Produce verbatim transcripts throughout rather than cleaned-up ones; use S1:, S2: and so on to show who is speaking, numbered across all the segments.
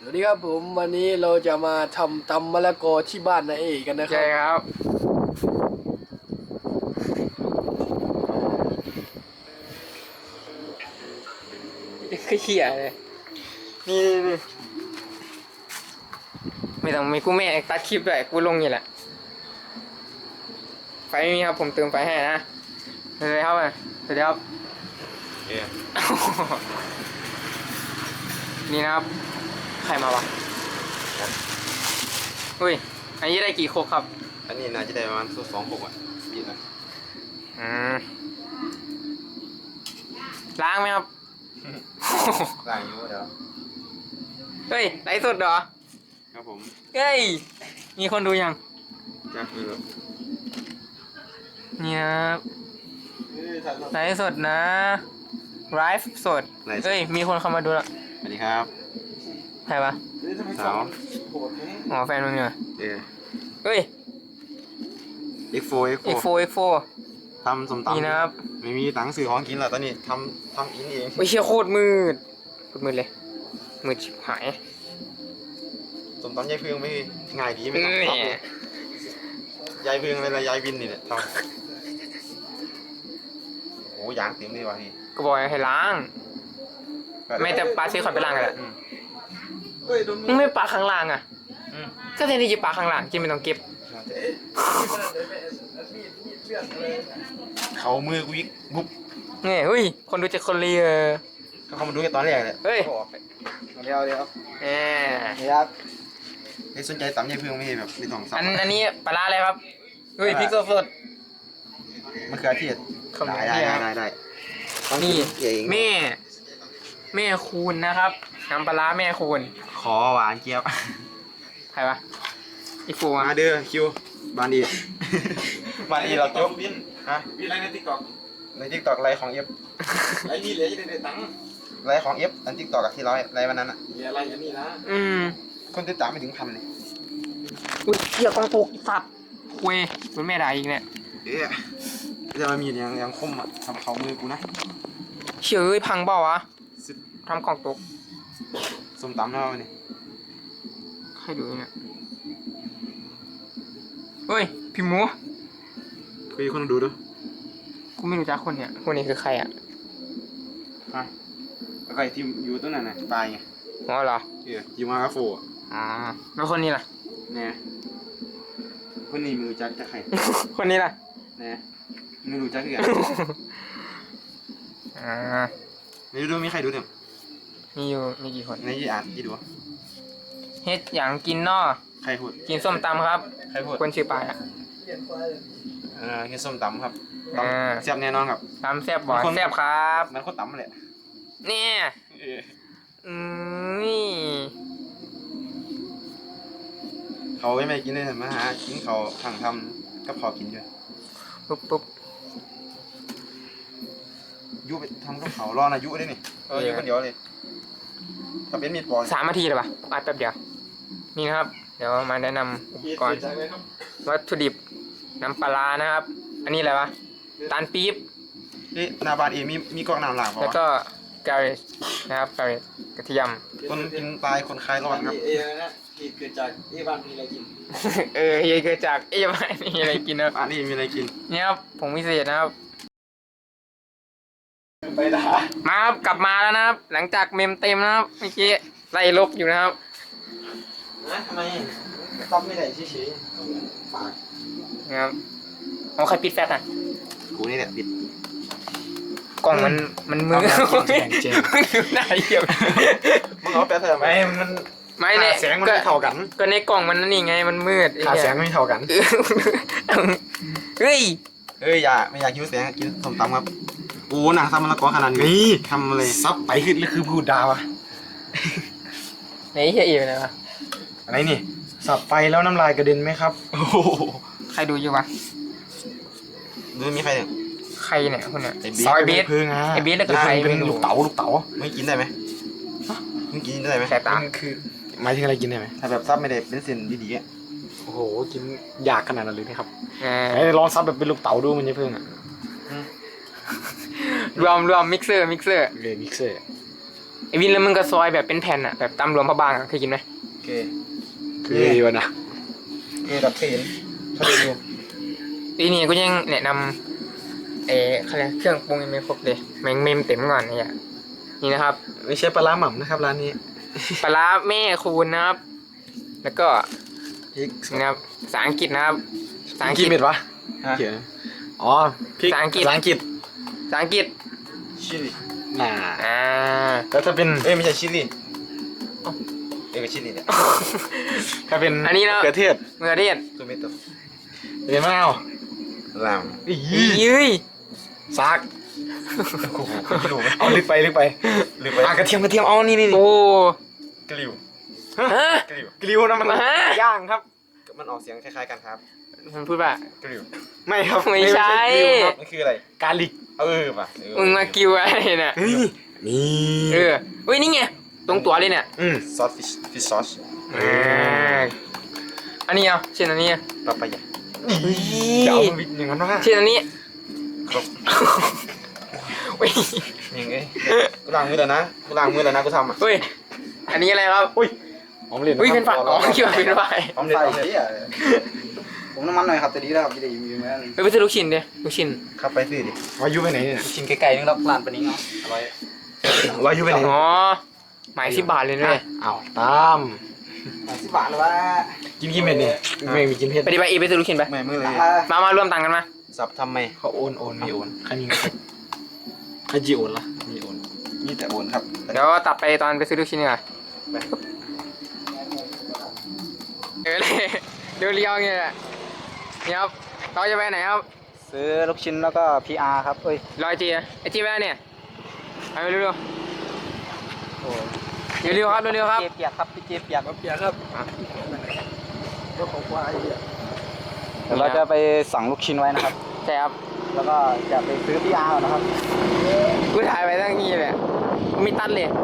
S1: สวัสดีครับผมวันนี้เราจะมาทำตำมะละกอที่บ้านนาเอกกันนะครั
S2: ใช่
S1: บ
S2: ครับคือเขี่ยเลยนี่นี่ไม่ต้องมีกูแม่ตัดคลิปด้วยกูลงนี่แหละไฟไม่มีครับผมเติมไฟให้นะสวัสดีครับสวัสดีครับนี่นะครับใครมาวะอุ้ยอันนี้ได้กี่โคกครับ
S3: อันนี้น่าจะได้ประมาณสองหกอ่ะดีนะ
S2: อืมล้างไหมครับ
S3: ล่างอยู่เดี๋ยว
S2: เฮ้ยไลฟ์สดเหรอ
S3: ครับผม
S2: เฮ้ยมีคนดูยัง
S3: จักเออ
S2: เนี่ยไลฟ์สดนะไลฟ์สดเฮ้ยมีคนเข้ามาดูแล้ว
S3: สวัสดีครับ
S2: ใครปะ
S3: สาว
S2: อ๋อแฟนมึงเหรอ
S3: เออ
S2: เฮ้ย
S3: เอ็กโฟเอ็กโฟ
S2: เอ็กโฟเอ็กโฟ
S3: ทำสมตำ
S2: นี่นะครับ
S3: ไม่มีตังค์ซื้อของกินหรอกตอนนี้ทำทำกินเอง
S2: โอ้ยเชี่ยโคตรมืดโคตรมืดเลยมืดชิบหาย
S3: สมตำยายเพื่องไม่ง่ายดีไม่ต้อง
S2: นี่
S3: ทำเลยยายเพื่องอะไรยายวินนี่แหละทำโอ้ยางเต็มเลยว่ะพี่
S2: ก็บอกให้ล้างไม่แต่ปลาซื้อขอดไปล้างกันแหละ
S3: อืม
S2: มึงไม่ปลาข้างล่างอ่ะ
S3: อืม
S2: ก็แทนที่จะปลาข้างล่างที่ไม่ต้องเก็บ
S3: เขามือกูยิกบุ๊บ
S2: นี่เฮ้ยคนดูจะคนเรีย
S3: เขามาดูกันตอนแรกเลย
S2: เฮ้ย
S3: เดี๋ยวเดี๋ยว
S2: แหม
S3: นี่ครับไอ้สนใจตำยายเพื่องไม่ใช่แบบไม่ต้องสับ
S2: อันอันนี้ปลาร้าอะไรครับเฮ้ยพริกสด
S3: มันคืออาชีพ
S2: ขอบคุณ
S3: ได้
S2: พี่
S3: ได้
S2: ครับ
S3: ได้ได้ต้อง
S2: นี่
S3: กินเก่ง
S2: แม่แม่คูณนะครับน้ำปลาร้าแม่คูณ
S3: ขอหวานเจี๊ยบ
S2: ใครวะอีฟู
S3: มา
S2: อ่ะ
S3: เด้อคิวบานดี บานดีเราจบ
S4: วิน
S3: ฮะ
S4: วินอะไรในติ๊กต็อก
S3: ในทิกตอกไลฟ์ของเอฟ
S4: ไอ้นี่เหลือจะได้ตังค์
S3: ไลฟ์ของเอฟอันทิกตอกที่ร้อยไลฟ์วันนั้นอ่ะ
S4: เหลืออะไรอย่างนี้นะ
S2: อืม
S3: คนติดตามไม่ถึงพันเลย
S2: อุ้ยเหี้ยกองตกสัตว์คุยเป็นแม่ด่าอีกเนี่ย
S3: เอ๊ะจะมามีดยังยังคมอ่ะทำเขามือกูนะ
S2: เชื่อเอ้ยพังเปล่าวะ
S3: สิบ
S2: ทำกล่องตก
S3: ส้มตำแล้วนี่
S2: ใครดูเนี่ยเฮ้ยพี่หมู
S3: คุยคนดูดู
S2: กูไม่รู้จักคนเนี่ยคนนี้คือใครอ่ะ
S3: ฮะแล้วก็ไอ้ที่อยู่ตรงนั้นน่ะตายไง
S2: อ๋อเหรอ
S3: เอออยู่มากับโฟอ่ะ
S2: อ๋อแล้วคนนี้ล่ะ
S3: เนี่ยคนนี้ไม่รู้จักจะใคร
S2: คนนี้ล่ะ
S3: เนี่ยไม่รู้จักคือกัน
S2: อ่า
S3: ไม่รู้ดูมีใครดูเนี่ย
S2: มีอยู่มีกี่คน
S3: ในยี่อ่านยี่ดู
S2: เฮ็ดอย่างกินนอ
S3: ใครพูด
S2: กินส้มตำครับ
S3: ใครพูด
S2: คนชื่อปายอ่ะ
S3: เออกินส้มตำครับต
S2: อ่า
S3: ำแซ่บแน่นอนครับ
S2: ตำแซ่บบ่อย
S3: คน
S2: แซ่บครับ
S3: มันคนตำเลย
S2: เนี่ย
S3: เออ
S2: อืมนี่
S3: เขาไม่ไม่กินเลยมาหากินเขาทางทำกับเขากินด้วย
S2: ปุ๊บปุ๊บ
S3: ยุไปทำกับเขารอนะยุได้นี่เออ
S2: เออ
S3: ยุคนเดียวเลยถ้าเป็นมีดปอน
S2: สามนาทีเลยปะอัดแป๊บเดียว นี่นะครับ เดี๋ยวมาแนะนำอุปกรณ์
S4: จากเลยครับ
S2: วัตถุดิบน้ำปลาร้านะครับ อันนี้อะไรวะตาลปี๊บ
S3: นี่หนาบานเองมีมีกล้องน้ำหลากเป
S2: แล้ว
S3: ล่าวะ
S2: ก็กาเรชนะครับกาเรชกระเทียม
S3: คนกินตายคนคลายร้อนครับ
S4: เอ้นะเหตุเกิดจากเอ้บ้านมีอะไรกิน
S2: เออเฮียเกิดจากเอ้ยไม่มีอะไรกินนะครับ
S3: อันนี้มีอะไรกิน
S2: เนี่ยครับผงวิเศษนะครับ
S4: ไปด่า
S2: มาครับกลับมาแล้วนะครับ หลังจากเมมเต็มนะครับเมื่อกี้ไล่ลบอยู่นะครับ
S4: นะทำไมต้อมไม่ได้เฉยๆปาก
S2: นะครับเอาใครปิดแฟลชอ่ะ
S3: กูนี่แหละปิด
S2: กล่องมันมันมือ
S3: เอามากินแข่งเจม
S2: มันอยู่ไหนเหี้ย
S3: มึงเอาแป๊บเถอะไหมมัน
S2: ไม่เนี่ย
S3: แสงมันไม่เท่ากัน
S2: ก็ในกล่องมันนั่นนี่ไงมันมืดไอ้
S3: ขา
S2: เหี้ย
S3: แสงไม่เท่ากัน
S2: เออเฮ้ย
S3: เอ้ยอย่าไม่อยากคิวแสงกินส้มตำครับโอ้หนังซ้ำมะละกอขนาดนี้ทำอะไรซับไปขึ้นหรือคือพูดดาวอะ
S2: ไหนเฮียอีกเลยวะ
S3: อะไรนี่สับไปแล้วน้ำลายกระเด็นไหมครับโอ้โห
S2: ใครดูอยู่วะ
S3: ดูมีใครเนี่ย
S2: ใครเนี่ยคนเนี่ย
S3: ไอ้
S2: ซอยเบส
S3: เพิ่งอ่ะ
S2: ไอ้เบสแล้วก็ใคร
S3: เป็น
S2: ไม่รู้
S3: ลูกเต๋าลูกเต๋าไม่กินได้ไหมไม่กินได้ไหม
S2: สายตา
S3: คือหมายถึงอะไรกินได้ไหมถ้าแบบซับไม่ได้เป็นเส้นดีๆอ่ะ
S5: โอ้โห กินยากขนาดนั้นเลยนะครับ
S2: เอ
S5: ไหน
S2: อ
S5: ลองซับแบบเป็นลูกเต๋าดูมันจะเพิ่งอ่ะ
S2: รวมรวมมิกเซอร์มิกเซอร์
S5: เลยมิกเซอร์
S2: ไอวินแล้วมึงก็ซอยแบบเป็นแผ่นอะแบบตำรวมพระบางอะเคยกินไหม
S3: โอเค
S5: คือดีวะนะ
S3: โอเคดับเห็นเขาดู
S2: ปีนี้กูยังแนะนำเออเขาเรียกเครื่องปรุงยังไม่ครบเลยแม่งเมมเต็มก่อนเนี่ยนี่นะครับ
S3: ไม่ใช่ปลาร้าหม่ำนะครับร้านนี้
S2: ปลาร้าแม่คูณนะครับ แล้วก็
S3: พริก
S2: นี่นะครับภาษาอังกฤษนะครับภาษาอังกฤ
S5: กี่
S2: ษ
S5: เม็ดวะ
S3: ฮะ
S5: เขียนอ๋อพริก
S2: ภาษาอังกฤษ
S5: ภาษาอังกฤษ
S2: ภาษาอังกฤษ
S3: ชิลลี่
S5: น่า
S2: อ่า
S5: แล้วถ้าเป็น
S3: เอ้ยไม่ใช่ชิลลี่เอ้ยชิลลี่เนี่ย
S5: ถ้าเป็น
S2: อันนี้เนาะ
S5: เกลือเทศ
S2: เมื่อเรียน
S3: ตัวเม็ดตัว
S5: เป็นมะนาว
S3: ลาม
S5: อี
S2: ยืย
S5: ซาก
S3: โอ้โหกลิวไหม
S5: เอาลึกไปลึกไป
S3: หรือไป
S5: อ่ะกระเทียมกระเทียมเอานี่นี่นี่
S2: โอ้
S3: กลิว
S2: ฮะ
S3: กลิว
S5: กลิวนะมัน
S2: ฮะ
S5: ย่างครับ
S3: มันออกเสียงคล้ายๆกันครับ
S2: มันพูดว่าก
S3: ลิว
S5: ไม่ครับ
S2: ไม่ใช่
S5: กลิวครับ
S3: มันคืออะไร
S5: กาลิก
S3: เออป่ะเออ
S2: มึงมากิวอะไรเนี่ย
S5: เฮ้ยนี่
S2: เออเฮ้ยนี่ไงตรงตัวเลยเนี่ย
S5: อืม
S3: ซอสฟิชฟิชซอส
S2: อ่าอันนี้เอาเช่นอันนี้
S3: ปลาปายา
S5: จะเอามันวิดอย่างนั้นวะ
S2: เช่นอันนี้
S3: ครบ
S2: เฮ้ย
S3: ยังไงกูล้างมือแล้วนะกูล้างมือแล้วนะกูทำอ่ะ
S2: เฮ้ยอันนี้อะไรครับ
S5: อุ้ยหอมเหรียญ
S2: อุ้ยเป็นฝาอ๋อคิดว่าเป็นฝา
S3: พร้อมเลยพร้อมเลย
S4: ผมน้ำมันหน่อยครับแต่ดีแล้วครับจะได้มีไหม
S2: เฮ้ยไปซื้อลูกชิ้นดิลูกชิ้น
S3: ขับไปสิดิ
S5: วายุไปไหนเนี่ย
S4: ชิ้นไกลๆนึงรับร้านปนี้เนาะอร่อยว
S5: ายุไปไหน
S2: อ๋อหมายสิบบาทเลยด้วย
S5: อ้าวตาม
S4: สิบบาทหรือว่า
S5: กินกี่เม็ดเนี่ยไม่มีกินเผ็ด
S2: ไปดิไปอีไปซื้อลูกชิ้นไป
S3: ไม่มือเลย
S2: มามารวมตังค์กันมา
S3: สับทำไม
S5: เขาโอนโอนมีโอนใครมีเงินใครจีโอนล่ะมีโอน
S3: มีแต่โอนครับ
S2: เดี๋ยวตัดไปตอนไปซื้อลูกชิ้นดีกว่าเออเลยเดี๋ยวเลี้ยวอย่างเงี้ยแหละนี่ครับเราจะไปไหนครับ
S4: ซื้อลูกชิ้นแล้วก็ พี อาร์ ครับเอ้ย
S2: รอยจีไอจีไปไหนเนี่ยไปเร็ว
S4: โอ้
S2: ๆเร็วๆครับเร็วๆครับ
S4: เจเปียกครับพี่เจเปียก
S1: เปียกครับก็ของควายอ่ะ
S4: เดี๋ยวเราจะไปสั่งลูกชิ้นไว้นะครับ
S2: ใช่ครับ
S4: แล้วก็จะไปซื้อ พี อาร์ นะครับ
S2: กูถ่ายไปตั้งนี้เลยกูมีตัดเลย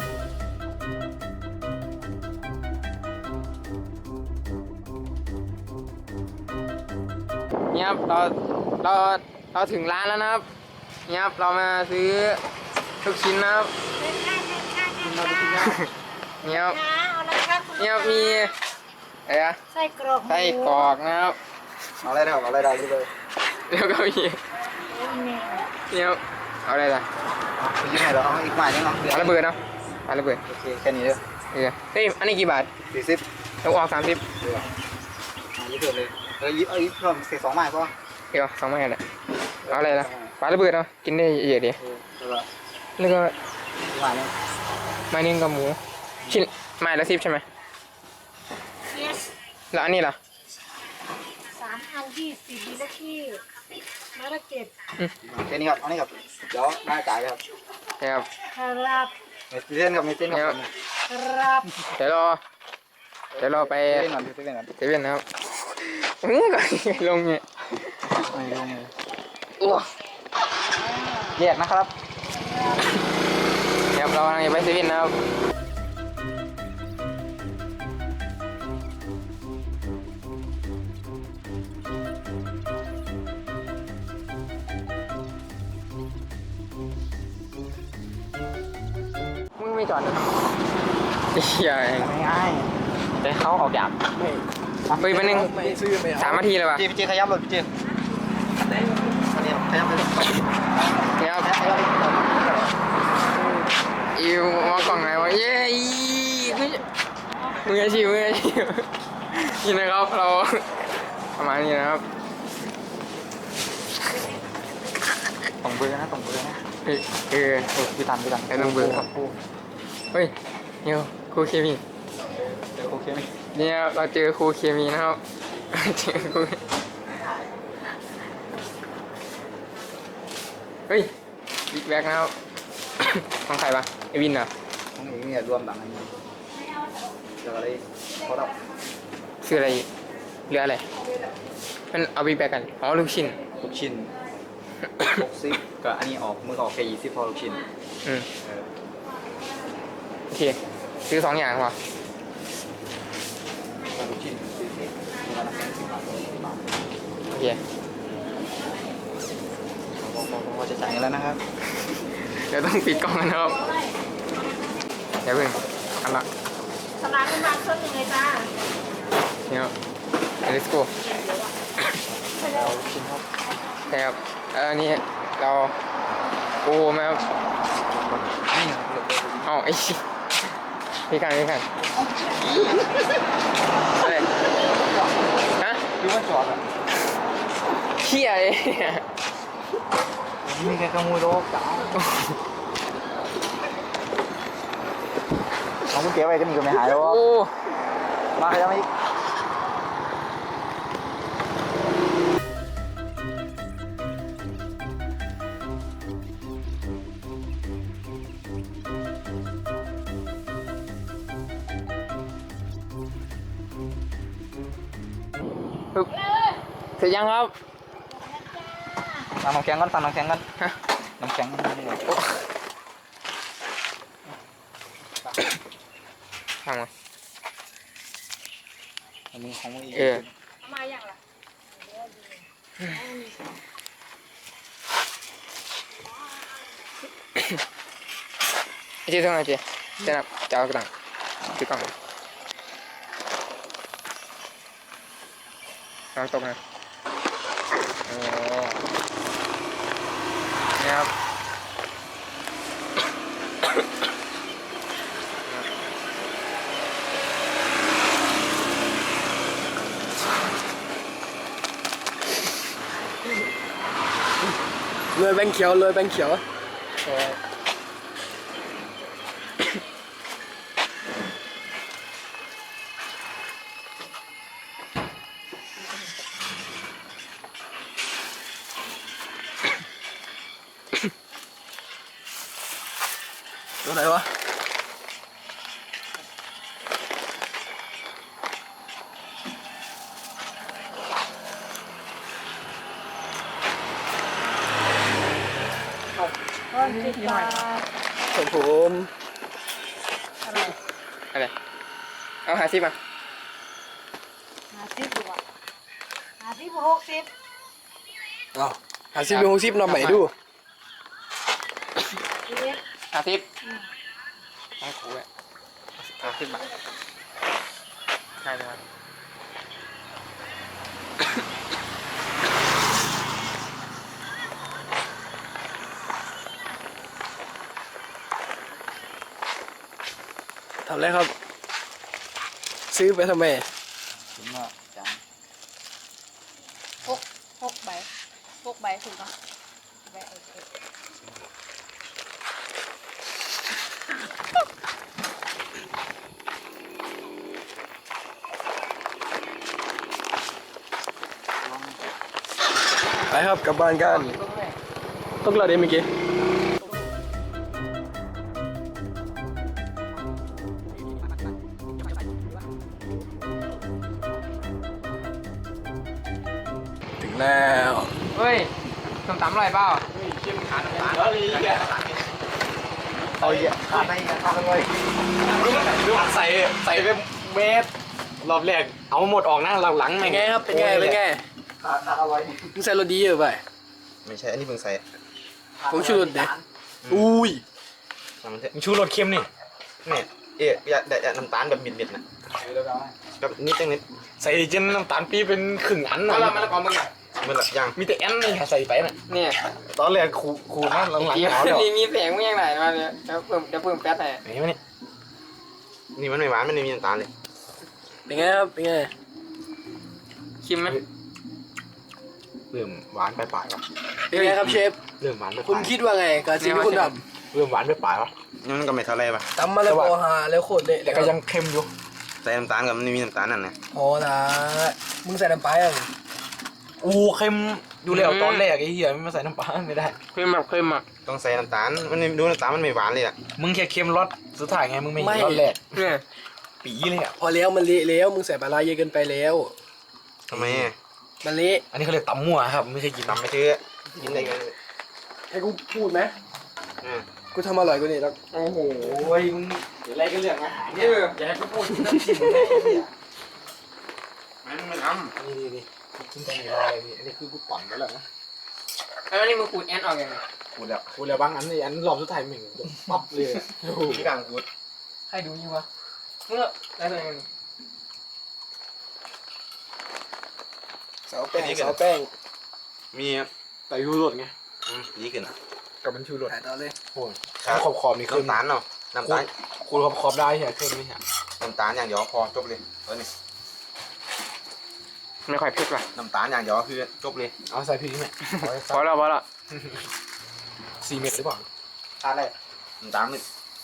S2: นี่ครับเราเราเราถึงร้านแล้วนะครับนี่ครับเรามาซื้อลูกชิ้นนะครับนี่ครับนี่ครับมีอะไรอะ
S6: ไส้กรอกหมู
S2: ไส้กรอกนะครับ
S4: เอาอะไรนะครับเอาอะไรได้เลย
S2: แล้วก็มีนี่ครับเอาอะไรล่ะ
S4: ไปยืมไหนเราเอาอีกหน่อยนึงเนาะ
S2: เอาระเบิดเนาะเอาระเบิด
S4: โอเคแค่นี้เด้อ
S2: เออเฮ้ยอันนี้กี่บาท
S4: สี่สิบ
S2: เราออกสามสิบ
S4: ยิบเพิ่มเลยเออยิบเอายิบเพิ่มเศษสองไม้พอ
S2: เดี๋ยวสองไม้แหละเอาอะไรล่ะปลาระเบิดเนาะกินได้เยอะดี
S4: เออแล้วก็
S2: แล้วก็
S4: อีกหน่อยนึง
S2: ไม้นึงกับหมูชิ้นไม้ละสิบใช่ไหม
S6: yes
S2: แล้วอันนี้ล่ะ
S6: สามพันยี่สิบดีละที่มาละเจ็ด
S4: แค่นี้ครับเอานี่ครับเดี๋ยวได้จ่ายเลยครับ
S2: นะครับ
S6: ครับ
S4: เมสเซนครับเมสเซนครับ
S6: ครับ
S2: เดี๋ยวรอเดี๋ยวเราไป
S4: เล่นก่อนเล่นก่อน
S2: เซเว่นนะครับอื้อก่อนลงเนี่ย
S4: ไม่ลงเลย
S2: อ้ว
S4: แยกนะครับ
S2: เดี๋ยวเรากำลังจะไปเซเว่นนะครับมึงไม่จอดนะไอ้เหี้ยเอง
S4: ง่ายแต่เขาออกอย่าง
S2: เฮ้ยมันนึง
S1: ไม่ซื้อไม่เอา
S2: สามนาทีเลยว่ะ
S4: พี่เจขยับเลยพี่เจอันนี้ขยับเลย
S2: เนี่ยครับอิวมากล่องไหนวะเย้อีมืออาชีพมืออาชีพนี่นะครับเราประมาณนี้นะครับ
S4: ตรงเบอร์นะตรงเบอร์นะ
S2: เฮ้ยเออ
S4: เออพี่ตันพี่ตัน
S2: ไอ้ตรงเบอร์
S4: ครับครู
S2: เฮ้ยเนี่ยครูเคมี
S4: เจอครูเคมี
S2: เนี่ยเราเจอครูเคมีนะครับ เจอครูเฮ้ยบิ๊กแบ็กนะครับ ของใครปะไอวินเหรอ
S4: ของนี้เนี่ยรวมหลังอันนี้เดี๋ยวอะไรเขาดับ
S2: ซื้ออะไรอีกเหลืออะไรมันเอาบิ๊กแบ็กกันอ๋อลูกชิ้น
S4: ลูกชิ้นหกสิบกับอันนี้ออกมือออกแค่ยี่สิบพอลูกชิ้น
S2: อืม
S4: เออ
S2: โอเคซื้อสองอย่างพอ
S4: ลูกชิ้นสี่สิบมีร้านอาหารสิบบาทสิบบาท
S2: โอเค
S4: ผมผมผมจะจ่ายเงินแล้วนะครับ
S2: เดี๋ยวต้องปิดกล้องกันนะครับเดี๋ยวเพิ่งอันละ
S6: สลากขึ้นมาเครื่องหนึ่งเลยจ้า
S2: เนี่ย let's go
S6: ใช่แล้ว
S2: ใช่ครับเออนี่เราโอ้แม่ครับเอาไอ้ชิพี่กันพี่กันอะไรฮะ
S4: ดูว่าจอดอ่ะ
S2: เขี้ยเลย
S4: มีแค่ขโมยรถจ้าเอาคุณเก๋ไปก็มีก็ไม่หายหรอก
S2: โอ้
S4: มาใครจะมาอีก
S2: ปึ๊บเสร็จยังครับ
S4: สั่งน้ำแข็งก่อนสั่งน้ำแข็งก่อน
S2: ฮะ
S4: น้ำแข็ง
S2: ทำไง
S4: อันนี้ของมึงอีก
S2: เออ
S6: เอามาอย่างละ
S2: ไอ้เจ๊ต้องไงเจ๊เจ๊นับจะเอากระดังถือกล่องน้ำตกนะโอ้นี่ครับ
S1: เลยแบงค์เขียวเลยแบงค์เขียว ตัวไหนวะของผม
S6: อะไร
S2: อะไรเอาหาซิมา
S6: ห้าสิบดีกว่าห้าสิบหกสิบ
S1: อ้าวหาซิบเป็นหกสิบนำใหม่ดู
S6: ชีวิต
S2: หาซิปให้ครูเลยหาซิปบาทใช่ไหมครับ
S1: ทำไรครับ ซื้อไปทำไม
S4: ถึงว่าจัง
S6: หกหกใบหกใบถูกปะใบโอเค
S1: ไปครับกลับบ้านกันต้องรอเดี๋ยวเมื่อกี้ถึงแล้ว
S2: เฮ้ยส้มตำอร่อยเปล่า
S4: เอาเยอะขาดไปขาดไป
S3: ใส่ใส่ไปเมตรรอบแรกเอาหมดออกนะหลังๆ
S1: เป็นไงครับเป็นไงเป็นไง
S4: ขาดขาดอร่อย
S1: มึงใส่รสดีเยอะไป
S3: ไม่ใช่อันนี้เพิ่งใส่
S1: ผมชูรสเด็ดอุ้ย
S3: มันมึงชูรสเค็มนี่นี่เอ๊ะอย่าอย่าน้ำตาลแบบบิดๆนะแบบนิดจังนิดใส่จนน้ำตาลปีเป็นครึ่งอันนะ
S2: มาละมาละกอมึงอ่ะ
S3: มันแบบยังมีแต่แอนนี่ใส่ไปน่ะ
S2: เนี่ย
S3: ตอนแรกขูขูนะหลังๆ
S2: เดี๋ยว
S3: เอาแล้ว
S2: มีมีเสียงมึงยังไงมาเนี่ยเดี๋ยวเพิ่มเดี๋ยวเพิ่มแป๊ดหน่อย
S3: นี่มันนี่นี่มันไม่หวานมันไม่มีน้ำตาลเลย
S1: เป็นไงครับเป็นไง
S2: ชิมไหม
S3: เริ่มหวานไปปลายๆวะ
S1: เป็นไงครับเชฟ
S3: เริ่มหวานไปป
S1: คุณ
S3: ลาย
S1: คิดว่าไงกับสิ่งที่คุณท
S3: เริ่มหวานไปปลายวะมันก็ไม่เท่าไรปะ
S1: ำตำมาแล้วก็หาแล้วโคตรเละ
S3: แต่ก็ยังเค็มอยู่ใส่น้ำตาลกับมันไม่มีน้ำตาลนั่นนะ
S1: พอละมึงใส่น้ำปลาอ่ะ
S3: โอ้เค็มดูแล้วตอนแรกไอ้เหี้ยไม่มาใส่น้ำปลาไม่ได้
S2: เค็มแบบเค็มอ่ะ
S3: ต้องใส่น้ำตาลมันไม่ดูน้ำตาลมันไม่หวานเลยอ่ะมึงแค่เค็มรสสุดท้ายไงมึงไม่เห็นรสแรก
S2: เนี่ย
S3: ปีเลยอ่ะ
S1: พอแล้วมันเละแล้วมึงใส่ปลาร้าเยอะเกินไปแล้ว
S3: ทำไมอะ
S1: มันเละ
S3: อันนี้เขาเรียกตำมั่วครับไม่ใช่กินตำไม่ซื้อกินได้ไง
S1: ให้กูพูดไหม
S3: อืม
S1: กูทำอร่อยกว่านี้แล้ว
S2: โอ้โห
S3: โอ้ยมึงเดี๋ยวอะไรกันเรื่องอาหาร
S2: เอ
S3: เนี่ย
S2: ออย่าให้กูพูด
S3: น้ำจิ้มเลยไอ้เหี้ยมันไม่ทำนี่นี่นี่กินตรงนี้ได้พี่อันนี้คือกูปั่นไปแล้วนะ
S2: แล้วนี่มึงขูดแอนออกยังไง
S3: กูแล้วกูแล้วบางอันนี่อันรอบสุดท้ายมึงปั๊บเลย
S4: ที่กลางกูด
S2: ใครดูอยู่วะเมื่อได้เลย
S1: เสาแป้งเสาแป้ง
S3: มี
S5: แต่ยูโรดไง
S3: อืมดีขึ้น
S5: กับมันชูโรด
S1: ถ่ายต่อเลย
S5: โอ้ยขอบขอบนี่ขึ้น
S3: น้ำตาลเนาะน้ำตาล
S5: คูณขอบขอบได้ใช่ไหมขึ้นไม่ใช่
S3: น้ำตาลอย่างเดียวพอจบเลยเออนี่
S2: ไม่ค่อยเผ็ดว่ะ
S3: น้ำตาลอย่างเดียวคือจบเลย
S5: เอาใส่พริกไหม
S2: พอแล้วพอแล้ว
S5: สี่เม็ดหรือเปล่า
S4: ขาดอะไร
S3: น้ำตาลนี่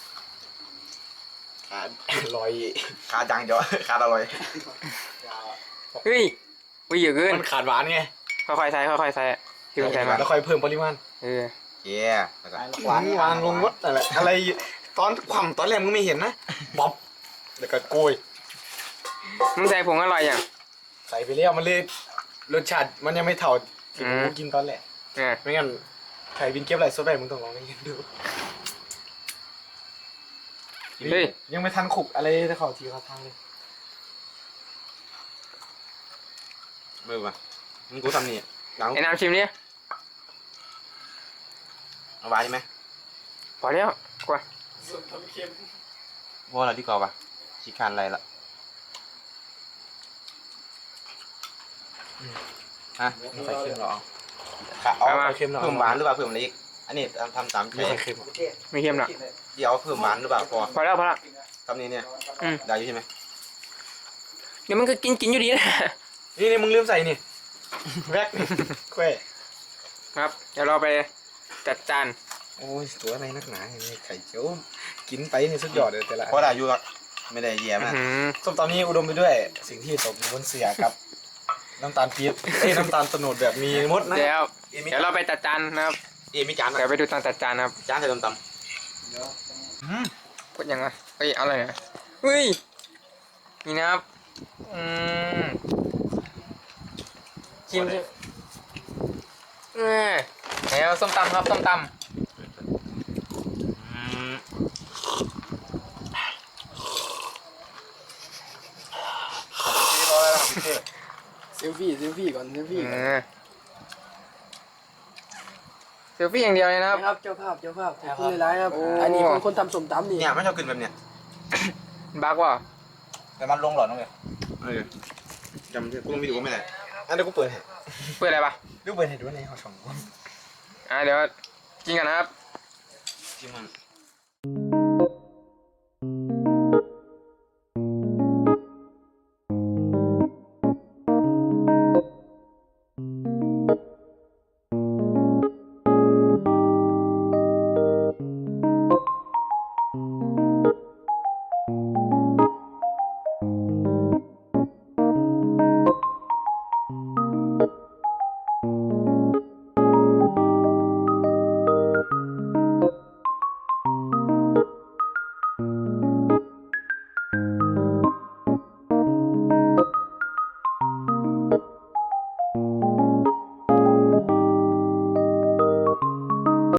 S5: อ่าลอย
S3: ขาดอย่างเดียว ขาดอร่อย
S2: เฮ้ยวิ่งเยอะเกิน
S5: มันขาดหวานไง
S2: ค่อยๆใส่ค่อยๆใส่ที่มันใส่มา
S5: แล้วค่อยเพิ่มปริมาณ
S2: เออ
S3: เย้แล้วก็
S5: หวานวางลงวัดอะไรอะไรตอนความตอนแรกมึงไม่เห็นนะบ๊อบแล้วก็โกย
S2: มึงใส่ผงอร่อยอย่าง
S5: ใส่ไปแล้วมันเลยรสชาติมันยังไม่เท่าที่
S2: อืม
S5: กูกินตอนแรก
S2: เออ
S5: ไม่งั้นใครวินเก็บอะไรสดไปมึงต้องลองไปกินดู
S2: เฮ้ย
S5: ยังไม่ทันขุกอะไรจะเขาทีเขาทางเลย
S3: มือป่ะมึงกูทำนี่หลัง
S2: ไอ้น้ำชิมดิ
S3: เอาไว้ใช่ไหม
S2: พอแล้วกว่า
S1: ส้มตำเค็ม
S3: ว่าเราดีกว่าป่ะขี้คานอะไรละฮะ
S5: ไม่ค่อยเค็มหรอก
S3: ขาเอา
S2: เอามา
S5: เค็มหน่อย
S3: เพิ่มหวานหรือเปล่าเพิ่มอะไรอีกอันนี้ทำทำตามใจ
S5: ไม่ค่อยเค็มหรอก
S2: ไม่เค็มหรอก
S3: เดี๋ยวเพิ่มหวานหรือเปล่าพอ
S2: พอแล้วพอแล้ว
S3: ทำนี้เนี่ย
S2: อืม
S3: ได้อยู่ใช่ไหม
S2: เดี๋ยวมันก็กินกินอยู่ดีนะ
S5: นี่นี่มึงลืมใส่นี่แวกแคว
S2: ครับเดี๋ยวเราไปจัดจาน
S5: โอ้ยตัวอะไรนักหนาอย่างนี้ไข่เจียวกินไปนี่สุดยอดเลยแต่ละ
S3: เพราะได้อยู่หรอกไม่ได้แย่
S2: อื้อ
S3: มาก
S2: หือ
S5: ส้มตำนี้อุดมไปด้วยสิ่งที่ตกอยู่บนเสียครับ น้ำตาลปี๊บเอ้ยน้ำตาลโตนดแบบมีมดนะ
S2: เดี๋ยวเดี๋ยวเราไปจัดจานนะครับ
S3: เอ็มมีจานนะ
S2: เดี๋ยวไปดูตอนจัดจานนะครับ
S3: จานใส่ตำต
S2: กดยังไงเฮ้ยอะไรนะเฮ้ยนี่นะครับอืมชิมชิมเออแล้วส้มตำครับส้มต
S3: ำอืม
S1: เซลฟี่เซลฟี่ก่อนเซล
S2: ำ
S1: ฟี่
S2: เอ
S1: ก่อน
S2: อเซลฟี่อย่างเดียวเลยนะครับ
S1: นะครับเจ้าภาพเจ้าภาพขอบคุณหลายๆครับ
S2: โอ้
S1: อันนี้เป็นคนทำส้มตำนี่
S3: เนี่ยไม่ชอบกินแบบเนี้ย
S2: บักว่า
S4: แต่มันลงหลอดน้องเลย
S3: เออจำกูต้องไปดูว่าไม่ได้
S5: อันนี้กูเปิดให้
S2: เปิดอะไรปะ
S5: ดูเปิดให้ดูในห้องช่อง
S2: อ่ะเดี๋ยวกินกันนะครับ
S3: ที่มัน